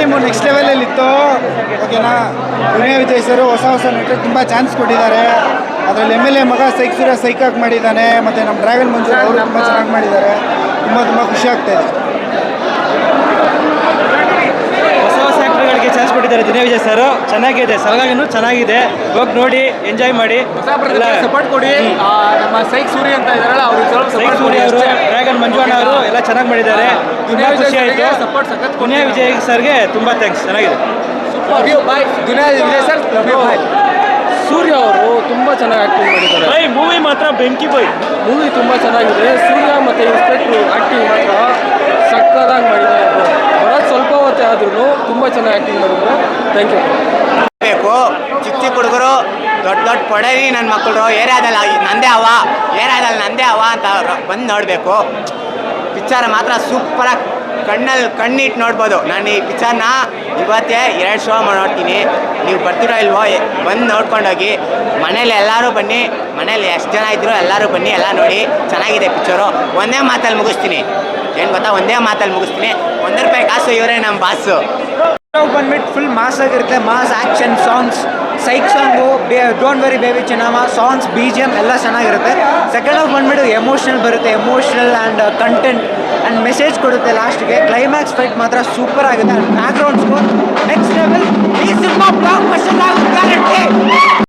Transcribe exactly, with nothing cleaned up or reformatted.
Film next ಲೆವೆಲಲ್ಲಿ ಇತ್ತು. ಓಕೆನಾ, ದುನಿಯಾ ವಿಜಯ್ ಸರ್ ಹೊಸ ಹೊಸ ನಟರು ತುಂಬ ಚಾನ್ಸ್ ಕೊಟ್ಟಿದ್ದಾರೆ. ಅದರಲ್ಲಿ ಎಮ್ ಎಲ್ ಎ ಮಗ ಸೈಕ್ ಸೂರ್ಯ ಸೈಕಾಗಿ ಮಾಡಿದ್ದಾನೆ. ಮತ್ತು ನಮ್ಮ ಡ್ರ್ಯಾಗನ್ ಮಂಜು ಅವರು ತುಂಬ ಚೆನ್ನಾಗಿ ಮಾಡಿದ್ದಾರೆ. ತುಂಬ ತುಂಬ ಖುಷಿ ಆಗ್ತಾ ಇದೆ. ಹೊಸ ಹೊಸ ಆ್ಯಕ್ಟರ್ಗಳಿಗೆ ಚಾನ್ಸ್ ಕೊಟ್ಟಿದ್ದಾರೆ ದುನಿಯಾ ವಿಜಯ್ ಸರ್. ಚೆನ್ನಾಗಿದೆ, ಸಲಗಾಗಿನೂ ಚೆನ್ನಾಗಿದೆ. ಹೋಗಿ ನೋಡಿ ಎಂಜಾಯ್ ಮಾಡಿ, ಸಪೋರ್ಟ್ ಕೊಡಿ. ನಮ್ಮ ಸೈಕ್ ಸೂರ್ಯ ಅಂತ ಇದಾರಲ್ಲ ಅವರು, ಸೈಕ್ ಸೂರ್ಯ ಅವರು, ಡ್ರ್ಯಾಗನ್ ಮಂಜುವಣ್ಣ ಅವರು ಎಲ್ಲ ಚೆನ್ನಾಗಿ ಮಾಡಿದ್ದಾರೆ. ತುಂಬ ಖುಷಿ ಆಯಿತು. ದುನಿಯಾ ವಿಜಯ್ ಸರ್ಗೆ ತುಂಬ ಥ್ಯಾಂಕ್ಸ್. ಚೆನ್ನಾಗಿದೆ. ದುನಿಯಾ ವಿಜಯ್ ಸರ್, ಸೂರ್ಯ ಅವರು ತುಂಬ ಚೆನ್ನಾಗಿ ಆ್ಯಕ್ಟಿಂಗ್ ಮಾಡಿದ್ದಾರೆ. ಬೈ ಮೂವಿ ಮಾತ್ರ ಬೆಂಕಿ ಬೈ. ಮೂವಿ ತುಂಬ ಚೆನ್ನಾಗಿದೆ. ಸೂರ್ಯ ಮತ್ತು ಇನ್ಸ್ಪೆಕ್ಟ್ರು ಆ್ಯಕ್ಟಿಂಗ್ ಮಾತ್ರ ಸಕ್ಕದಾಗಿ ಮಾಡಿದ್ದಾರೆ. ಬರೋದು ಸ್ವಲ್ಪ ಹೊತ್ತೇ ಆದ್ರೂ ತುಂಬ ಚೆನ್ನಾಗಿ ಆ್ಯಕ್ಟಿಂಗ್ ಮಾಡಿದ್ರು. Thank you. ಬೇಕು ಚಿಕ್ಕ ಚಿಕ್ಕ ಹುಡುಗರು, ದೊಡ್ಡ ದೊಡ್ಡ ಪೊಡವಿ ನನ್ನ ಮಕ್ಕಳು ಏರಿಯಾದಲ್ಲಿ ನಂದೇ ಅವ ಏರಿಯಾದಲ್ಲಿ ನಂದೇ ಅವ ಅಂತ ಬಂದು ನೋಡಬೇಕು. ಪಿಕ್ಚರ್ ಮಾತ್ರ ಸೂಪರಾಗಿ ಕಣ್ಣಲ್ಲಿ ಕಣ್ಣಿಟ್ಟು ನೋಡ್ಬೋದು. ನಾನು ಈ ಪಿಕ್ಚರ್ನ ಇವತ್ತೇ ಎರಡು ಶೋ ನೋಡ್ತೀನಿ. ನೀವು ಬರ್ತೀರೋ ಇಲ್ವೋ, ಬಂದು ನೋಡ್ಕೊಂಡೋಗಿ. ಮನೇಲಿ ಎಲ್ಲರೂ ಬನ್ನಿ, ಮನೇಲಿ ಎಷ್ಟು ಜನ ಇದ್ರು ಎಲ್ಲರೂ ಬನ್ನಿ, ಎಲ್ಲ ನೋಡಿ. ಚೆನ್ನಾಗಿದೆ ಪಿಕ್ಚರು. ಒಂದೇ ಮಾತಲ್ಲಿ ಮುಗಿಸ್ತೀನಿ. ಏನು ಗೊತ್ತಾ, ಒಂದೇ ಮಾತಲ್ಲಿ ಮುಗಿಸ್ತೀನಿ. ಒಂದು ರೂಪಾಯಿ ಕಾಸು ಇವರೇ ನಮ್ಮ ಬಾಸು. ಬಂದ್ಬಿಟ್ಟು ಫುಲ್ ಮಾಸ್ ಆಗಿರುತ್ತೆ. Mass action songs, psych song, don't worry baby Chinnamma songs, B G M ಎಲ್ಲ ಚೆನ್ನಾಗಿರುತ್ತೆ. ಸೆಕೆಂಡ್ ಹಾಫ್ ಬಂದ್ಬಿಟ್ಟು ಎಮೋಷ್ನಲ್ ಬರುತ್ತೆ. Emotional and content and message ಕೊಡುತ್ತೆ ಲಾಸ್ಟ್ಗೆ. ಕ್ಲೈಮ್ಯಾಕ್ಸ್ ಫೈಟ್ ಮಾತ್ರ ಸೂಪರ್ ಆಗುತ್ತೆ. And background score next level. ಈ ಸಿನಿಮಾ ಬ್ಲಾಕ್ ಬಸ್ಟರ್ ಆಗುತ್ತೆ ಗ್ಯಾರಂಟಿ.